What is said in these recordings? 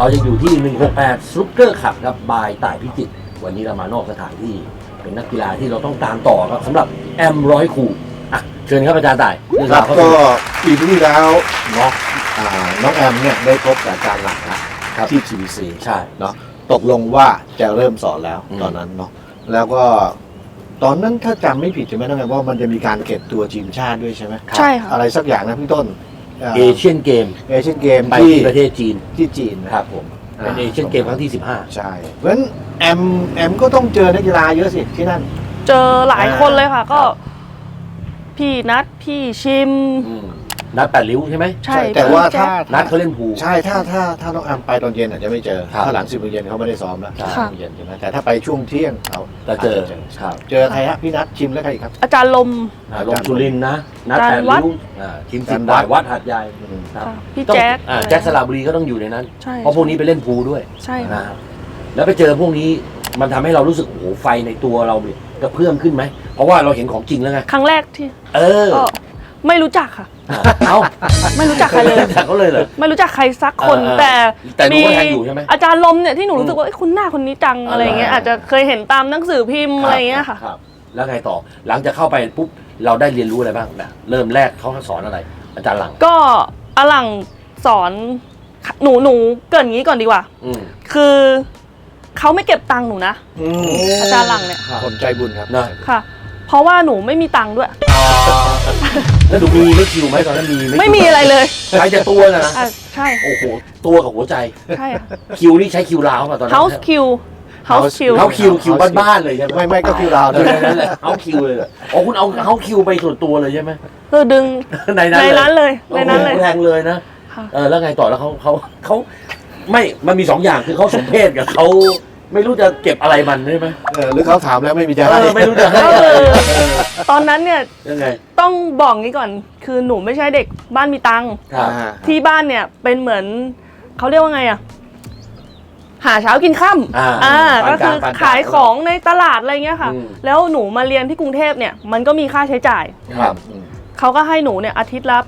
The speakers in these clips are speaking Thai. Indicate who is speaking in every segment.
Speaker 1: เราจะอยู่ที่ 168 ซุปเปอร์คัพครับบายต่ายพิจิตรวันนี้เรามานอกสถานที่เป็นนักกีฬาที่เราต้องตามต่อครับสำหรับแอมร้อยคูอ่ะเชิญครับอาจารย์ต่าย
Speaker 2: ครับก็ปีที่แล้วน้องแอมเนี่ยได้พบกับอาจารย์หลังนะที่ GBC
Speaker 1: ใช่
Speaker 2: เนาะตกลงว่าจะเริ่มสอนแล้วตอนนั้นเนาะแล้วก็ตอนนั้นถ้าจำไม่ผิดใช่ไหมน้องแอมว่ามันจะมีการเก็บตัวทีมชาติด้วยใช่ไหม
Speaker 3: ใช่ค่ะ
Speaker 2: อะไรสักอย่างนะพี่ต้น
Speaker 1: เอเชียนเกมไปที่ประเทศจีน
Speaker 2: นะครับ
Speaker 1: ผมเป็นเอเชียนเกมครั้งที่15
Speaker 2: ใช่เพราะฉะนั้นแอมก็ต้องเจอนักกีฬาเยอะสิที่นั่น
Speaker 3: เจอหลายคนเลยค่ะก็พี่นัทพี่ชิม
Speaker 1: นัด8 ริ้วใช่ไหม
Speaker 3: ใช่
Speaker 2: แต่ว่าถ้า
Speaker 1: นัดเขาเล่นพู
Speaker 2: ใช่ถ้าน้องแอมไปตอนเย็นอาจจะไม่เจอถ้าหลัง10 โมงเย็นเขาไม่ได้ซ้อมแล้ว10 โมงเย็นใช่ไหมแต่ถ้าไปช่วงเที่ยงเขา
Speaker 1: จะเจอ
Speaker 2: ใครฮะพี่นัทชิมแล้วใครอีกครับ
Speaker 3: อาจารย์ลม
Speaker 1: สุรินทร์นะนัด8 ริ้วชิม10 บาทวัดหัดใหญ่
Speaker 3: พี่แจ็ค
Speaker 1: สระบุรีก็ต้องอยู่ในนั้น
Speaker 3: เพ
Speaker 1: ราะพวกนี้ไปเล่นพูด้วย
Speaker 3: ใช่
Speaker 1: นะแล้วไปเจอพวกนี้มันทำให้เรารู้สึกโอ้โหไฟในตัวเราเนี่ยกระเพื่อมขึ้นไหมเพราะว่าเราเห็นของจริงแล้วไง
Speaker 3: ครั้งแรกที่ก็ไม่รู้จักค่ะไม่รู้จักใครเลย
Speaker 1: เขาเลยเหรอ
Speaker 3: ไม่รู้จักใครสักคนแต่
Speaker 1: มี
Speaker 3: อาจารย์ลมเนี่ยที่หนูรู้สึกว่าคุณหน้าคนนี้จังอะไรเงี้ยอาจจะเคยเห็นตามหนังสือพิมพ์อะไรเงี้ยค่ะ
Speaker 1: แล้วไงต่อหลังจากเข้าไปปุ๊บเราได้เรียนรู้อะไรบ้างนะเริ่มแรกเขาสอนอะไรอาจารย์หลัง
Speaker 3: ก็อาหลังสอนหนูเกิดงี้ก่อนดีกว่าคือเขาไม่เก็บตังค์หนูนะอาจารย์หลังเนี่ย
Speaker 2: คนใจบุญครับ
Speaker 3: ค่ะเพราะว่าหนูไม่มีตังค์ด้วย
Speaker 1: แล้วหนูมีไม่คิวไหมตอนนั้น
Speaker 3: ไม่มีอะไรเลย
Speaker 1: ใช้แต่ตัวนะ
Speaker 3: ใช่
Speaker 1: โอ้โหตัวกับหัวใจ
Speaker 3: ใช่
Speaker 1: คิวนี่ใช้คิวลาวป่ะตอนนั้น
Speaker 3: House Q
Speaker 1: คิวบ้านๆเลยใช่ไหม
Speaker 2: ไม่ก็คิวลาว
Speaker 1: เลยนั่นแหละเฮาคิวเลยอ๋อคุณเอาเฮาคิวไปส่วนตัวเลยใช่ไหม
Speaker 3: ดึงในนั้นเลย
Speaker 1: แรงเลยนะแล้วไงต่อแล้วเขาไม่มันมี2 อย่างคือเขาสมเพศกับเขาไม่รู้จะเก็บอะไรมันใช่ไหม
Speaker 2: หรือเขาถามแล้วไม่มีจะให้
Speaker 1: ไม่รู้จะให้
Speaker 3: ตอนนั้นเนี่ย
Speaker 1: ยังไง
Speaker 3: ต้องบอกงี้ก่อนคือหนูไม่ใช่เด็กบ้านมีตังค์ที่บ้านเนี่ยเป็นเหมือนเขาเรียกว่าไงอะหาเช้ากินค่ำก็คือขายของในตลาดอะไรเงี้ยค่ะแล้วหนูมาเรียนที่กรุงเทพเนี่ยมันก็มีค่าใช้จ่ายเขาก็ให้หนูเนี่ยอาทิตย์ละ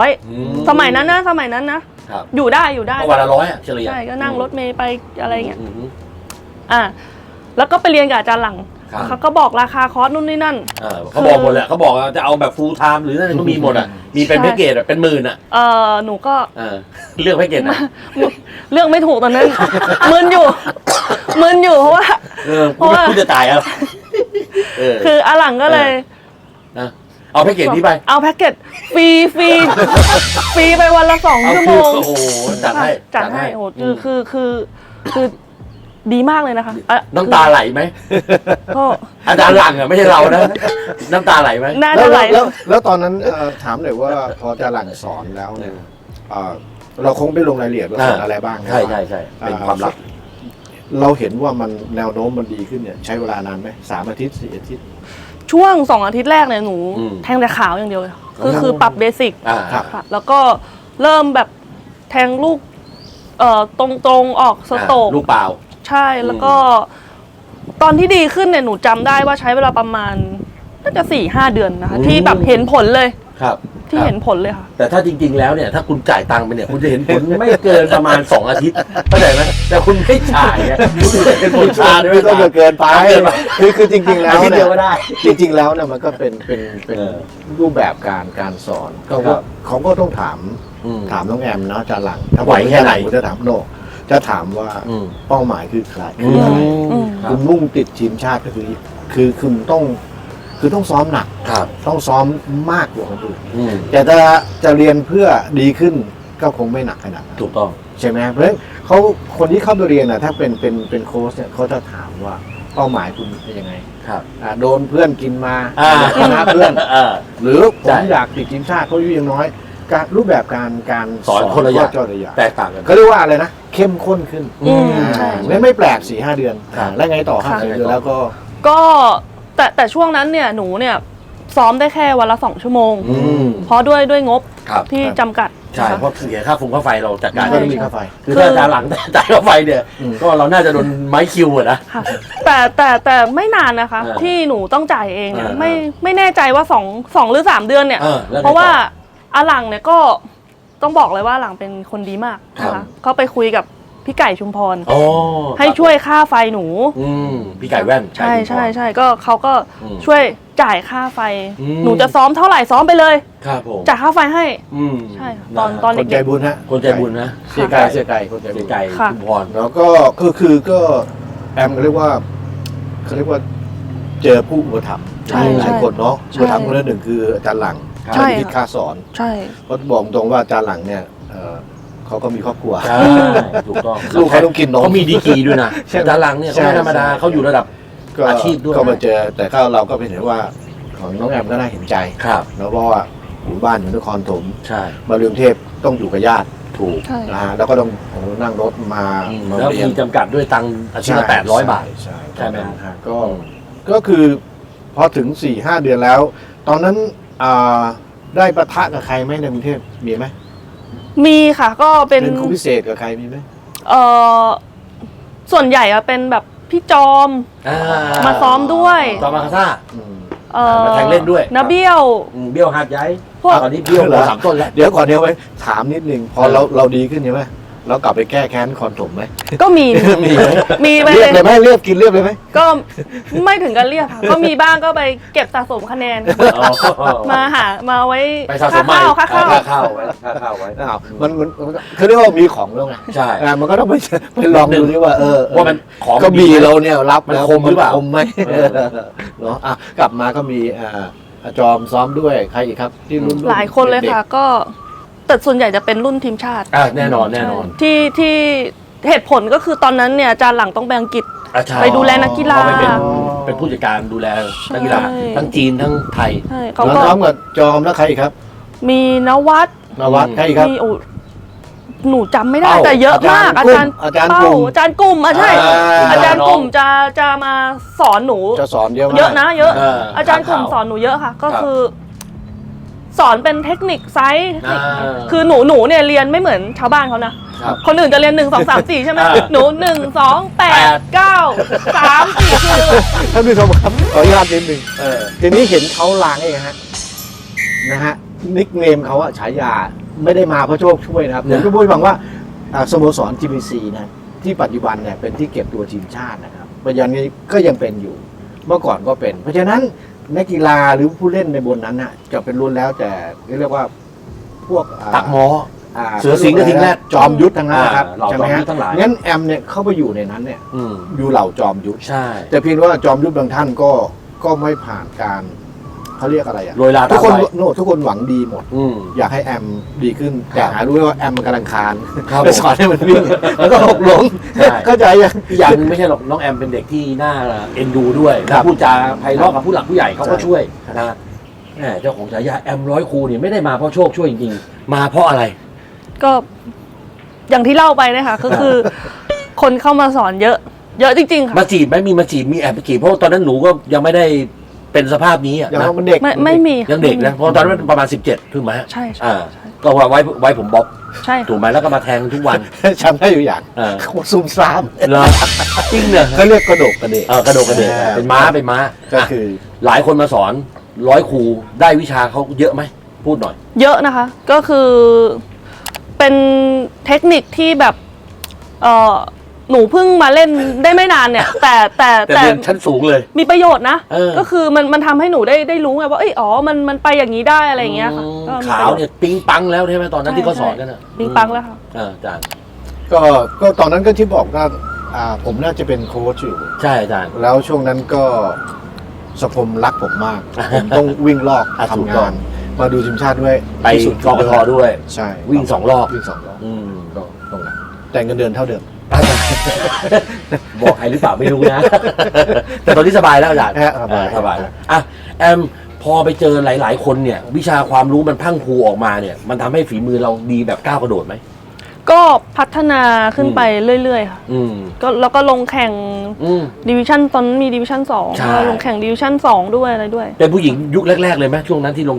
Speaker 3: 800สมัยนั้นนะอยู่ได้
Speaker 1: วันละ100เฉลี่ย
Speaker 3: ใช่ก็นั่งรถเมล์ไปอะไรเงี้ยแล้วก็ไปเรียนกับอาจารย์หลังเขาก็บอกราคาคอร์สนู่นนี่นั่น
Speaker 1: เขาบอกหมดแหละเขาบอกจะเอาแบบฟูลไทม์หรือนั่นก็มีหมดอ่ะมีเป็นแพ็กเกจเป็น10,000อ่ะ
Speaker 3: หนูก็
Speaker 1: เลือกแพ็กเกจนะ
Speaker 3: เลือกไม่ถูกตอนนั้นมึนอยู่เพราะว่า
Speaker 1: คุณจะตายอ่ะ
Speaker 3: คืออาหลังก็เลย
Speaker 1: เอาแพ็กเกจนี้ไป
Speaker 3: เอาแพ็กเกจฟรีไปวันละ2 ชั่วโมง
Speaker 1: โอ้โหจัดให้
Speaker 3: โอ้คือดีมากเลยนะคะ
Speaker 1: น้ำตาไหลไหมอาจารย์หลังอ่ะไม่ใช่เรานะน้ำตาไหลไหม
Speaker 3: น่าจะไหล
Speaker 2: แล้วตอนนั้นถามหน่อยว่าพออาจารย์หลังสอนแล้วเนี่ยเราคงไม่ลงรายละเอียดว่าสอนอะไรบ้าง
Speaker 1: ใช่เป็นความลับ
Speaker 2: เราเห็นว่ามันแนวโน้มมันดีขึ้นเนี่ยใช้เวลานานไหม3 อาทิตย์4 อาทิตย์
Speaker 3: ช่วง2 อาทิตย์แรกเนี่ยหนูแทงแต่ขาวอย่างเดียวคือปรับเบสิกแล้วก็เริ่มแบบแทงลูกตรงออกสโตก
Speaker 1: ลูกเปล่า
Speaker 3: ใช่แล้วก็ตอนที่ดีขึ้นเนี่ยหนูจำได้ว่าใช้เวลาประมาณน่าจะ4-5 เดือนนะคะที่แบบเห็นผลเลย
Speaker 1: ครับ
Speaker 3: ที่เห็นผลเลยค่ะ
Speaker 1: แต่ถ้าจริงๆแล้วเนี่ยถ้าคุณจ่ายตังค์ไปเนี่ยคุณจะเห็นผลไม่เกินประมาณ2 อาทิตย์เข้าใจไหมแต่คุณไม่จ่ายเนี่ยคุณจะเห็นผลช้าด้วย
Speaker 2: ไม่ต้องเกินไปคือจริงๆแล้วเนี่ยจริงๆแล้วเนี่ยมันก็เป็นรูปแบบการสอนเขาก็ต้องถามน้องแอมเนาะอาจารย์หลัง
Speaker 1: ถ้าไหวแค่ไหน
Speaker 2: ผมจะถามโนจะถามว่าเป้าหมายคือใครคุณมุ่งติดทีมชาติก็คือคุณต้องซ้อมหนักต้องซ้อมมากกว่าคนอื่นแต่จะเรียนเพื่อดีขึ้นก็คงไม่หนักขนาดนั้น
Speaker 1: ถูกต้อง
Speaker 2: ใช่ไหมเพราะฉะนั้นคนที่เข้าไปเรียนนะถ้าเป็นโค้ชเนี่ยเขาจะถามว่าเป้าหมายคุณเป็นยังไงโดนเพื่อนกินมาชนะเพื่อนหรือผมอยากติดทีมชาติเพราะอายุยังน้อยรูปแบบการ
Speaker 1: สอนคนละอย่างแตกต่างกัน
Speaker 2: เขาเรียกว่าอะไรนะเข้มข้นขึ้นไม่แปลก4-5 เดือนแล้วไงต่อ5 เดือนแล้ว
Speaker 3: ก็แต่ช่วงนั้นเนี่ยหนูเนี่ยซ้อมได้แค่วันละ2 ชั่วโมงเพราะด้วยงบที่จำกัด
Speaker 1: ใช่เพราะเสียค่าไฟเราจัดการไม่มีค่าไฟคือถ้าจ่ายหลังจ่ายค่าไฟเนี่ยก็เราน่าจะโดนไม้คิวนะ
Speaker 3: แต่ไม่นานนะคะที่หนูต้องจ่ายเองเนี่ยไม่แน่ใจว่า2 หรือ 3 เดือนเนี่ยเพราะว่าอาหลังเนี่ยก็ต้องบอกเลยว่าหลังเป็นคนดีมากนะคะเขาไปคุยกับพี่ไก่ชุมพร
Speaker 1: อ๋อ
Speaker 3: ให้ช่วยค่าไฟหนู
Speaker 1: พี่ไก่แว่น
Speaker 3: ใช่
Speaker 1: ไก่ชุมพร
Speaker 3: ใช่ใช่ก็เขาก็
Speaker 1: อืม
Speaker 3: ช่วยจ่ายค่าไฟ
Speaker 1: อืม
Speaker 3: หนูจะซ้อมเท่าไหร่ซ้อมไปเลย
Speaker 1: ครับผม
Speaker 3: จ่ายค่าไฟให้
Speaker 1: ใช่
Speaker 3: ใช่ค่ะตอน
Speaker 2: คนใจ
Speaker 3: เด็ก
Speaker 2: บุญฮะ
Speaker 1: คนใจบุญนะ
Speaker 2: เสียไก่คนใจบุ
Speaker 1: เสีย
Speaker 2: ญ
Speaker 1: ไก่
Speaker 3: ค่ะ
Speaker 1: ชุมพร
Speaker 2: แล้วก็แอมเขาเรียกว่าเจอผู้อุปถัมภ์
Speaker 3: ใช่
Speaker 2: หลายคนเนาะ
Speaker 3: ใช่
Speaker 2: อุปถัมภ์คนละหนึ่งคืออาจารย์หลัง
Speaker 3: ใช่
Speaker 2: คิดค่าสอน
Speaker 3: ใช่
Speaker 2: เพราะบอกตรงว่าอาจารย์หลังเนี่ยเขาก็มีครอบครัว
Speaker 1: ใช่ถูกต้อง
Speaker 2: ลูกเขาต้องกินนม
Speaker 1: เขามีดีกรีด้วยนะ
Speaker 2: ใช่
Speaker 1: ด้านหลังเนี่ยเขาไม่ธรรมดา
Speaker 2: ใช่
Speaker 1: เขาอยู่ระดับ
Speaker 2: ก็
Speaker 1: อาชีพด้วย
Speaker 2: ก็มาเจอแต่ก็เราก็เห็นว่าของน้องแอมก็น่าเห็นใจ
Speaker 1: ครับ
Speaker 2: แล้วเพราะว่าอยู่บ้านอยู่นครถม
Speaker 1: ใช่
Speaker 2: มาเรืองเทพต้องอยู่กับญาติ
Speaker 1: ถูก
Speaker 3: ใช่
Speaker 2: นะฮะแล้วก็ต้องนั่งรถมามา
Speaker 1: แล้ว
Speaker 2: เรียน
Speaker 1: มีจำกัดด้วยตังค์อาทิตย์ละ800 บาท
Speaker 2: ใช่
Speaker 1: ใช่ไหม
Speaker 2: ฮะก็คือพอถึง 4-5 เดือนแล้ว ตอนนั้นได้ปะทะกับใครไหมในกรุงเทพมีไหม
Speaker 3: มีค่ะก็เป็น
Speaker 2: ครูพิเศษกับใครมีไหม
Speaker 3: เออส่วนใหญ่อะเป็นแบบพี่จอม
Speaker 1: อ่
Speaker 3: มาซ้อมด้วย
Speaker 1: จอมมาคาซ่า
Speaker 2: อืม
Speaker 1: มาแทงเล่นด้วย
Speaker 3: นาเบี้ยว
Speaker 1: เบี้ยวหาดใหญ่
Speaker 3: พวก
Speaker 1: ตอนนี้เบี้ยว
Speaker 2: เหรอ
Speaker 1: 3 ต้นแล้ว
Speaker 2: เดี๋ยวก่อนเดี๋ยวไว้ถามนิดนึงพอเราดีขึ้นใช่ไหมเรากลับไปแก้แค้นคอนถมไหม
Speaker 3: ก็มี
Speaker 2: มีไหม
Speaker 3: มีไป
Speaker 2: เรียบ
Speaker 3: เล
Speaker 2: เลย ยไหมเรียบกินเรียบเลยไหม
Speaker 3: ก็ไม่ถึงกันเรียกค่ะ ก็มีบ้างก็ไปเก็บสะสมคะแนน มาไว้
Speaker 1: ไปสะสม
Speaker 3: ค่า
Speaker 1: ใหม่
Speaker 3: ข้าวค่าข้าว
Speaker 1: ค่าข้าวไว้
Speaker 2: อ้าวมันคือเรียกว่ามีของแล้วไง
Speaker 1: ใช่
Speaker 2: มันก็ต้องไปลองดูดิว่า
Speaker 1: ว่ามันของ
Speaker 2: ก็มี
Speaker 1: ดีไหม
Speaker 2: เราเนี่ยรับ
Speaker 1: มัน
Speaker 2: แล้ว
Speaker 1: คมหรือเปล่า
Speaker 2: คมไหมเนาะกลับมาก็มีจอมซ้อมด้วยใครอีกครับ ที่รุ่น
Speaker 3: หลายคนเลยค่ะ ก็แต่ส่วนใหญ่จะเป็นรุ่นทีมชาติ
Speaker 1: แน่นอน
Speaker 3: ใช่ที่เหตุผลก็คือตอนนั้นเนี่ยอาจารย์หลังต้องไปอังกฤษ
Speaker 1: ใช่
Speaker 3: ไปดูแลนักกีฬา
Speaker 1: เพระเป็นผู้จัดการดูแลนักกีฬา
Speaker 3: ใช่
Speaker 1: ทั้งจีนทั้งไทย
Speaker 3: ใช่เขา
Speaker 2: แล้ว
Speaker 3: ก็
Speaker 2: ซ้อมกับจอมแล้วใครอีกครับ
Speaker 3: มีนวัด
Speaker 2: นวัดใครอีกครับ
Speaker 3: มีหนูจำไม่ได้
Speaker 1: เป้า
Speaker 3: แต่เยอะมาก
Speaker 2: อาจารย์
Speaker 3: เป้า
Speaker 2: กลุ่ม
Speaker 3: อาจารย์กลุ่มใช่ อาจารย์กลุ่ม
Speaker 1: น้อง
Speaker 3: จะมาสอนหนู
Speaker 2: จะสอนเยอะมาก
Speaker 3: เยอะนะเยอะ
Speaker 1: อา
Speaker 3: จารย์กลุ่มสอนหนูเยอะค่ะ ก็คือ สอนเป็นเทคนิคไซส์ คือหนูเนี่ยเรียนไม่เหมือนชาวบ้านเขานะ
Speaker 2: ครับ
Speaker 3: คนอื่นจะเรียน1 2 3 4ใช่ไหม
Speaker 1: อ่า
Speaker 3: หนู1 2 8 9 3 4คือ
Speaker 2: ท่านผู้ชมครับขออนุญาตนิดนึงทีนี้เห็นเขาล้างเองนะฮะนิกเนมเขาอะฉายาไม่ได้มาเพราะโชคช่วยนะครับผมก็พูดให้ฟังว่าสโมสร GBC นะที่ปัจจุบันเนี่ยเป็นที่เก็บตัวทีมชาตินะครับปัจจุบันนี้ก็ยังเป็นอยู่เมื่อก่อนก็เป็น เพราะฉะนั้นนักกีฬาหรือผู้เล่นในบนนั้นน่ะจะเป็นรุ่นแล้วแต่เรียกว่าพวก
Speaker 1: ตักหมอ
Speaker 2: อ่า
Speaker 1: เสือสิงห์กระทิงแรด
Speaker 2: จอมยุทธทั้งนั้นนะครับ
Speaker 1: เหล่า
Speaker 2: ใช่ไหม
Speaker 1: จอมยุ
Speaker 2: ฮะ
Speaker 1: ทธทั้งหลาย
Speaker 2: งั้นแอมเนี่ยเข้าไปอยู่ในนั้นเนี่ย
Speaker 1: อืม
Speaker 2: อยู่เหล่าจอมยุทธ
Speaker 1: ใช่
Speaker 2: แต่เพียงว่าจอมยุทธบางท่านก็ไม่ผ่านการเขาเรียกอะไรอ่ะ
Speaker 1: โรยลา
Speaker 2: ทุกคน
Speaker 1: ตามไป
Speaker 2: ทุกคนหวังดีหมด
Speaker 1: อืม
Speaker 2: อยากให้แอมดีขึ้น แต่
Speaker 1: ครับ
Speaker 2: หารู้ว่าแอมมันกำลังคาน
Speaker 1: ครับ
Speaker 2: ไปสอนให้มันวิ่งแล้วก็หกล้ม
Speaker 1: ใช่
Speaker 2: เข้าใจยัง
Speaker 1: อีกอย่างหนึงไม่ใช่หรอกน้องแอมเป็นเด็กที่น่าเอ็นดูด้วย
Speaker 2: ครั
Speaker 1: นะ
Speaker 2: บ
Speaker 1: พูดจาไพเราะกับผู้หลักผู้ใหญ่เขาก็
Speaker 2: ใช่
Speaker 1: ช่วยนะแหมเจ้าของฉายาแอมร้อยครูเนี่ยไม่ได้มาเพราะโชคช่วยจริงๆมาเพราะอะไร
Speaker 3: ก็อย่างที่เล่าไปนะคะก็คือ คนเข้ามาสอนเยอะ เยอะจริงๆค่ะ
Speaker 1: มาจีบไหมมีมาจีบมีแอบไปจีบเพราะว่าตอนนั้นหนูก็ยังไม่ได้เป็นสภาพนี้อะ
Speaker 2: อย่าง
Speaker 1: นะ
Speaker 2: ว่ามันเด็ก
Speaker 3: ไม่มี
Speaker 1: ยังเด็กนะเพราะตอนนั้นประมาณ17ถูกไหม
Speaker 3: ใช่ใช่
Speaker 1: อ่าก็ไว้ผมบ๊อบ
Speaker 3: ใช่
Speaker 1: ถูกไหมแล้วก็มาแทงทุกวัน
Speaker 2: จำได้อยู่อย่าง
Speaker 1: เออ
Speaker 2: เขาซุ่มซ่าม
Speaker 1: เหรอจริงเนี่ย
Speaker 2: เขาเรียกกระโดกกระเดก
Speaker 1: กระโดดกระเดกเป็นม้า
Speaker 2: ก็คือ
Speaker 1: หลายคนมาสอนร้อยครูได้วิชาเขาเยอะไหมพูดหน่อย
Speaker 3: เยอะนะคะ ก็คือเป็นเทคนิคที่แบบหนูเพิ่งมาเล่นได้ไม่นานเนี่ย แต่
Speaker 1: แต่เรียนชั้นสูงเลย
Speaker 3: มีประโยชน์นะ
Speaker 1: เออ
Speaker 3: ก็คือมันทำให้หนูได้รู้ไงว่ามันไปอย่างนี้ได้อะไรอย่างเงี้ยค่ะก็มี
Speaker 1: ขาวเนี่ยปิ๊งปังแล้วใช่ไหมตอนนั้นที่เขาสอนกัน
Speaker 3: ใช่
Speaker 1: อ่ะ
Speaker 3: ปิ๊งปังแล้วค่ะ
Speaker 1: อาจารย์
Speaker 2: ก็ตอนนั้นก็ที่บอกว่าผมน่าจะเป็นโค้ชอยู่
Speaker 1: ใช่อาจารย์
Speaker 2: แล้วช่วงนั้นก็สพมรักผมมาก ผมต้องวิ่งลอก
Speaker 1: ถูก
Speaker 2: ทำ
Speaker 1: ต้อง
Speaker 2: งาน มาดูทีมชาติด้วย
Speaker 1: ไป
Speaker 2: ที่สุด
Speaker 1: กกทด้วย
Speaker 2: ใช่
Speaker 1: วิ่ง2 รอบ
Speaker 2: วิ่ง2 รอบ
Speaker 1: อืม
Speaker 2: ก็ตรงนั้นแต่เงินเดือนเท่าเดิม
Speaker 1: บอกใครหรือเปล่าไม่รู้นะ แต่ตอนนี้สบายแล้วอาจารย์ สบายแล้วอ่ะแอมพอไปเจอหลาย ๆ คนเนี่ย วิชาความรู้มันพรั่งพรูออกมาเนี่ย มันทำให้ฝีมือเราดีแบบก้าวกระโดดไหม
Speaker 3: ก็พัฒนาขึ้นไปเรื่อยๆค่ะ
Speaker 1: อืม
Speaker 3: ก็แล้วก็ลงแข่ง
Speaker 1: อืม
Speaker 3: ดิวิชั่นตอนนั้นมีดิวิชั่น
Speaker 1: ใช่
Speaker 3: 2ลงแข่งดิวิชั่น2ด้วยอะไรด้วย
Speaker 1: เป็นผู้หญิงยุคแรก ๆ เลยไหมช่วงนั้นที่ลงแข่ง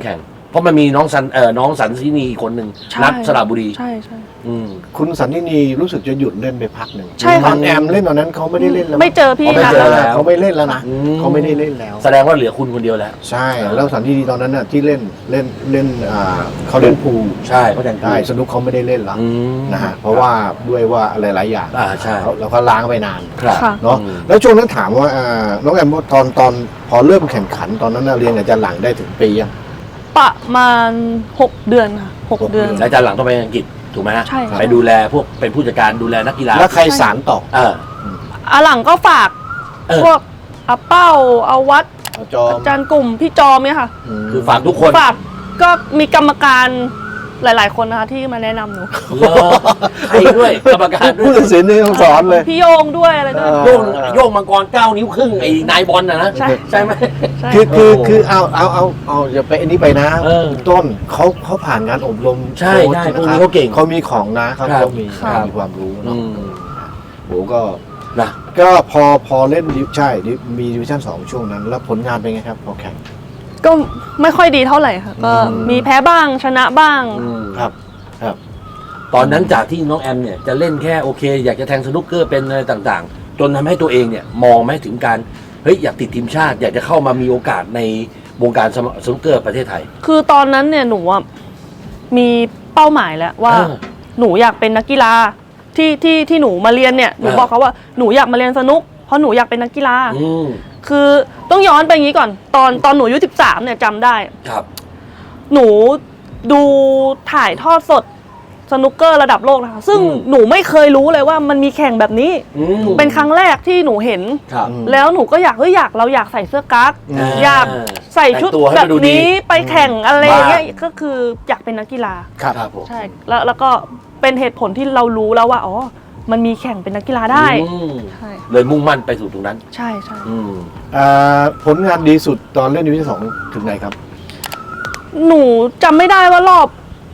Speaker 1: เพราะมันมีน้องสันซินีอีกคนหนึ่ง
Speaker 3: ใช่
Speaker 1: นัดสระบุรี
Speaker 3: ใช่ใช่
Speaker 2: คุณสันนินีรู้สึกจะหยุดเล่นไปพักหนึ่ง
Speaker 3: ใช่ค่ะ
Speaker 2: ตอนแอมเล่นตอนนั้นเขาไม่ได้เล่นแล้ว
Speaker 3: ไม่เจอพี่
Speaker 1: ไม่
Speaker 3: นะ
Speaker 1: เจอแล้ว
Speaker 2: เขาไม่เล่นแล้วนะเขาไม่ได้เล่นแล้ว
Speaker 1: แสดงว่าเหลือคุณคนเดียวแล้ว
Speaker 2: ใช่แล้วสันนินีตอนนั้นน่ะที่เล่นเขาเล่นพูล
Speaker 1: ใช่เขาแทง
Speaker 2: ได้สนุกเขาไม่ได้เล่นละนะฮะเพราะว่าด้วยว่าอะไรหลายอย่าง
Speaker 1: ใช่
Speaker 2: แล้วก็ล้างไปนาน
Speaker 1: ครับ
Speaker 3: ค่ะ
Speaker 2: เนาะแล้วช่วงนั้นถามว่าน้องแอมว่าตอนพอเริ่มแข่งขันตอนนั้นน่ะเรียนอาจารย์หลังได้ถึงปียัง
Speaker 3: ประมาณ6 เดือนค่ะ6 เดือน
Speaker 1: แล้วอาจารย์หลังต้องไปอังกฤษถูกไหมฮะ
Speaker 3: ใช่ค่ะ
Speaker 1: ไปดูแลพวกเป็นผู้จัดการดูแลนักกีฬา
Speaker 2: แล้วใครสารต่อ
Speaker 3: หลังก็ฝาก
Speaker 1: เออ
Speaker 3: พวกอาเป้าอาวัด
Speaker 2: จอม
Speaker 3: อาจารย์กลุ่มพี่จอมเนี่ยค่ะ
Speaker 1: คือฝากทุกคน
Speaker 3: ฝากก็มีกรรมการหลาย ๆ คนนะคะที่มาแนะนำหนู
Speaker 1: เหรอใครด้วยกรรมการด้ว
Speaker 2: ผู้
Speaker 1: ย
Speaker 2: ตัดสินนี่ต้องสอนเลย
Speaker 3: พี่โยงด้วยอะไรด้วย
Speaker 1: โยงมังกร9 นิ้วครึ่งไอ้นายบอลนะ
Speaker 3: ใช่
Speaker 1: ใช่ไหม
Speaker 3: ใช่
Speaker 2: คือเอาอย่าไปอันนี้ไปนะ
Speaker 1: เออ
Speaker 2: ต้นเขาผ่านงานอบรม
Speaker 1: ใช่
Speaker 2: โค้ช
Speaker 1: ใช่
Speaker 2: นะ
Speaker 1: พวก
Speaker 2: ค
Speaker 1: นี้
Speaker 2: รับ
Speaker 1: เขาเก่ง
Speaker 2: เขามีของนะเขา
Speaker 1: ครับ
Speaker 2: มี
Speaker 3: ครับ
Speaker 2: มีความรู้เนาะ
Speaker 1: อืม
Speaker 2: โหก็
Speaker 1: นะ
Speaker 2: ก็พอเล่นใช่มีดิวิชั่น2ช่วงนั้น แล้วผลงานเป็นไงครับพอแข่ง
Speaker 3: ก็ไม่ค่อยดีเท่าไหร่ค่ะก็มีแพ้บ้างชนะบ้าง
Speaker 2: ครับ
Speaker 1: ตอนนั้นจากที่น้องแอมเนี่ยจะเล่นแค่โอเค อยากจะแทงสนุกเกอร์เป็นอะไรต่างๆ จนทำให้ตัวเองเนี่ยมองไหมถึงการเฮ้ยอยากติดทีมชาติ อยากจะเข้ามามีโอกาสในวงการสนุกเกอร์ประเทศไทย
Speaker 3: คือตอนนั้นเนี่ยหนูอะมีเป้าหมายแล้วว่า
Speaker 1: เออ
Speaker 3: หนูอยากเป็นนักกีฬาที่หนูมาเรียนเนี่ยหนู
Speaker 1: เออ
Speaker 3: บอกเขาว่าหนูอยากมาเรียนสนุกเพราะหนูอยากเป็นนักกีฬา
Speaker 1: อืม
Speaker 3: คือต้องย้อนไปอย่างนี้ก่อน ตอนหนูอายุ13เนี่ยจำได้
Speaker 1: ครับ
Speaker 3: หนูดูถ่ายทอดสดสนุกเกอร์ระดับโลกนะคะซึ่ง
Speaker 1: อืม
Speaker 3: หนูไม่เคยรู้เลยว่ามันมีแข่งแบบนี้
Speaker 1: อืม
Speaker 3: เป็นครั้งแรกที่หนูเห็น
Speaker 1: ครับ
Speaker 3: แล้วหนูก็เราอยากใส่เสื้อกั๊ก
Speaker 2: อ่า
Speaker 3: อยากใส่ชุด
Speaker 1: แต่งตัวให้
Speaker 3: แบ
Speaker 1: มัน
Speaker 3: บ
Speaker 1: ดูดี
Speaker 3: นี้ไปแข่งอะไรอย่างเงี้ย
Speaker 2: บ้า
Speaker 3: ก็คืออยากเป็นนักกีฬา
Speaker 1: ครับผม
Speaker 3: ใช่แล้วก็เป็นเหตุผลที่เรารู้แล้วว่าอ๋อมันมีแข่งเป็นนักกีฬาได้
Speaker 1: อืม
Speaker 3: ใช่
Speaker 1: เลยมุ่งมั่นไปสู่ตรงนั้น
Speaker 3: ใช่ใช่
Speaker 1: อืม
Speaker 2: ผลงานดีสุดตอนเล่นดิวิชั่น2ถึงไหนครับ
Speaker 3: หนูจำไม่ได้ว่ารอบ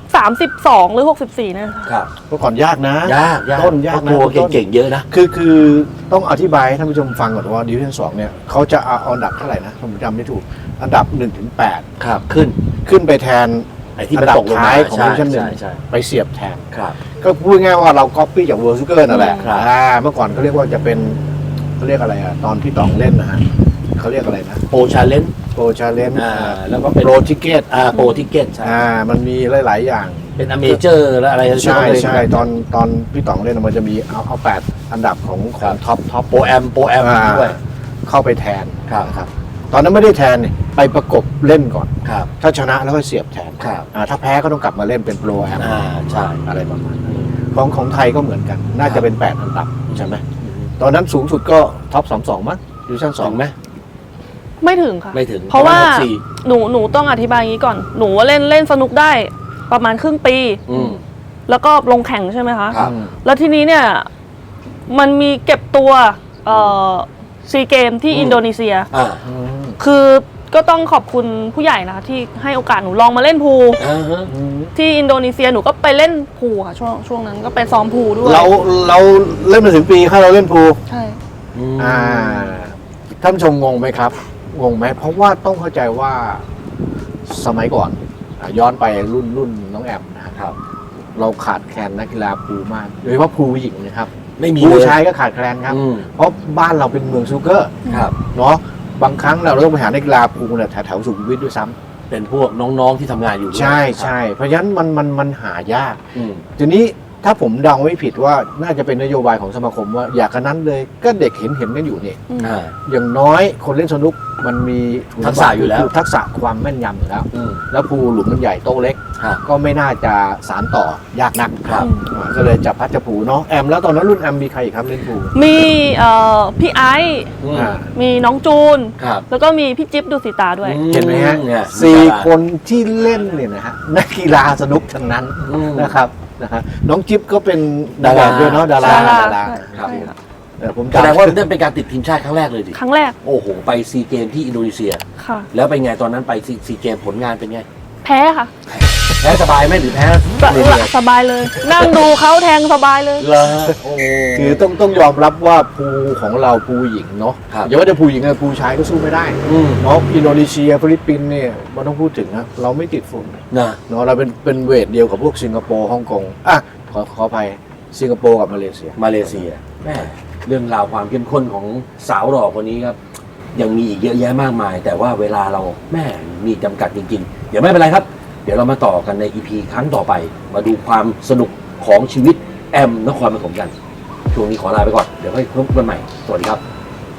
Speaker 3: 32 หรือ 64เนี่ยค่ะ
Speaker 1: ครับ
Speaker 2: เมื่อก่อนยากนะ
Speaker 1: ยาก
Speaker 2: ต้นยากนะ
Speaker 1: ตัว
Speaker 2: ต้น
Speaker 1: เก่งๆเยอะนะ
Speaker 2: คือต้องอธิบายให้ท่านผู้ชมฟังก่อนว่าดิวิชั่น2เนี่ยเขาจะเอาอันดับเท่าไหร่นะผมจำไม่ถูกอันดับ1ถึง8
Speaker 1: ครับขึ้น
Speaker 2: ขึ้นไปแทน
Speaker 1: ไอ้ที่
Speaker 2: อั
Speaker 1: มัน
Speaker 2: นดับ
Speaker 1: ตกลง
Speaker 2: ท้าม
Speaker 1: าย
Speaker 2: ของ
Speaker 1: ใช่
Speaker 2: ดิวิชั่น
Speaker 1: ใช่ใช่
Speaker 2: 1ไปเสียบแทน
Speaker 1: ครับ
Speaker 2: ก็พูดง่ายๆว่าเราก๊อปปี้จากเวิร์ลซูเกอร์นั่นแหละ
Speaker 1: ครับ
Speaker 2: เมื่อก่อนเขาเรียกว่าจะเป็นเขาเรียกอะไรอ่ะตอนพี่ต๋องเล่นนะฮะเขาเรียกอะไรนะ
Speaker 1: โปรชาเลนจ์
Speaker 2: โปรชาเลน
Speaker 1: แล้วก็เป็น
Speaker 2: โปรทิเกต
Speaker 1: โปรทิเก็ตใช่
Speaker 2: มันมีหลายๆอย่าง
Speaker 1: เป็นอเมเจอร์แล้วอะไร
Speaker 2: ใช่
Speaker 1: ไหม
Speaker 2: ใช่ตอนพี่ต๋องเล่นมันจะมีเอา8อันดับของท็อป
Speaker 1: โปรแอมด้วย
Speaker 2: เข้าไปแทน
Speaker 1: ครับ
Speaker 2: นะครับตอนนั้นไม่ได้แทนนี่ไปประกบเล่นก่อน
Speaker 1: ครับ
Speaker 2: ถ้าชนะแล้วก็เสียบแทน
Speaker 1: ครับ
Speaker 2: ถ้าแพ้ก็ต้องกลับมาเล่นเป็นโปรแอม
Speaker 1: ใช่
Speaker 2: อะไรประมาณนั้นของไทยก็เหมือนกัน น่าจะเป็น8อันดับใช่ไหมตอนนั้นสูงสุดก็ท็อป22มั้งดิวิชั่น
Speaker 1: สองไหม
Speaker 3: ไม่ถึงค่ะ
Speaker 1: ไม่ถึง
Speaker 3: เพราะว่า
Speaker 1: ปมณ64
Speaker 3: หนูต้องอธิบายอย่างนี้ก่อน หนูเล่นสนุกได้ประมาณครึ่งปี
Speaker 1: อืม
Speaker 3: แล้วก็ลงแข่งใช่ไหมคะ
Speaker 1: ครับ
Speaker 3: แล้วทีนี้เนี่ยมันมีเก็บตัวซีเกมที่อินโดนีเซีย
Speaker 1: อ่า
Speaker 3: คือก็ต้องขอบคุณผู้ใหญ่นะคะที่ให้โอกาสหนูลองมาเล่นพูล
Speaker 1: อ่าฮะ
Speaker 3: ที่อินโดนีเซียหนูก็ไปเล่นพูลค่ะช่วงนั้นก็ไปซ้อมพูลด้วย
Speaker 2: เราเล่นมาถึงปีถ้าเราเล่นพูล
Speaker 3: ใช่
Speaker 2: ท่านผู้ชมงงไหมครับงงไหมเพราะว่าต้องเข้าใจว่าสมัยก่อนย้อนไปรุ่นน้องแอมนะครับ เราขาดแคลนนักกีฬาพูลมากโดยเฉพาะพูลผู้หญิงนะครับ
Speaker 1: ไม่มี
Speaker 2: พูล
Speaker 1: เลย
Speaker 2: ชายก็ขาดแคลนครับ
Speaker 1: อืม
Speaker 2: เพราะบ้านเราเป็นเมืองซูเกอร์
Speaker 1: ครับ
Speaker 2: เนาะบางครั้งเราต้องไปหานักกีฬาพูลเนี่ยแถวสุขุมวิทด้วยซ้ำ
Speaker 1: เป็นพวกน้องๆที่ทำงานอยู่ด้วย
Speaker 2: ใช่เพราะฉะนั้นมันหายาก
Speaker 1: อืม
Speaker 2: ทีนี้ถ้าผมเดาไม่ผิดว่าน่าจะเป็นนโยบายของสมาคมว่าอยากกันนั้นเลยก็เด็กเห็นกันอยู่นี่
Speaker 1: อ่า
Speaker 2: อย่างน้อยคนเล่นสนุกมันมี
Speaker 1: ทักษะอยู่แล้ว
Speaker 2: คืทักษะความแม่นยำอยู่แล้ว
Speaker 1: อืม
Speaker 2: แล้วภูหลุมมันใหญ่โต๊ะเล็ก
Speaker 1: ครับ
Speaker 2: ก็ไม่น่าจะสารต่อยากนัก
Speaker 1: ครับ
Speaker 2: ก็เลยจับพัดจับผูเนาะแอมแล้วตอนนั้นรุ่นแอมมีใครอีกครับเล่นภู
Speaker 3: มีพี่ไอซ์
Speaker 1: อืม
Speaker 2: อ่า
Speaker 3: มีน้องจูน
Speaker 1: ครับ
Speaker 3: แล้วก็มีพี่จิ๊บดูสิตาด้วย
Speaker 2: เห็นไหมฮะ
Speaker 1: เนี่ย
Speaker 2: สี่คนที่เล่นเนี่ยนะฮะนักกีฬาสนุกทั้งนั้น
Speaker 1: อืม
Speaker 2: นะครับนะฮะน้องจิ๊บก็เป็น
Speaker 1: ดารา
Speaker 2: ด้วยเนาะดารา
Speaker 1: ครับ
Speaker 3: ใช่ค่ะ
Speaker 2: ผม
Speaker 1: แสดงว่านั่นเป็นการติดทีมชาติครั้งแรกเลยดิ
Speaker 3: ครั้งแรก
Speaker 1: โอ้โห ไปซีเกมที่อินโดนีเซีย
Speaker 3: ค่ะ
Speaker 1: แล้วเป็นไงตอนนั้นไปซีเกมผลงานเป็นไง
Speaker 3: แพ้ค่ะ
Speaker 1: แพ้สบายไหมหรือแพ้
Speaker 3: สบายเลย นั่งดูเขาแทงสบายเลย
Speaker 1: เหรอโอ้
Speaker 2: คือต้องยอมรับว่าภูของเราภูหญิงเนาะ
Speaker 1: ครับ
Speaker 2: อย่าว่าแต่ภูหญิงเลยภูชายก็สู้ไม่ได้ เนาะอินโดนีเซียฟิลิปปินส์เนี่ยมันต้องพูดถึงนะเราไม่ติดฝุ่น
Speaker 1: นะ
Speaker 2: เนาะเราเป็นเวทเดียวกับพวกสิงคโปร์ฮ่องกงขออภัยสิงคโปร์กับมาเลเซีย
Speaker 1: มาเลเซียแม่เรื่องราวความเข้มข้นของสาวหล่อคนนี้ครับยังมีอีกเยอะแยะมากมาย แต่ว่าเวลาเราแม่มีจำกัดจริงๆเดี๋ยวไม่เป็นไรครับ เดี๋ยวเรามาต่อกันใน EP ครั้งต่อไป มาดูความสนุกของชีวิตแอมนครปฐมกันช่วงนี้ขอลาไปก่อนเดี๋ยวค่อยพบกันใหม่สวัสดีครับ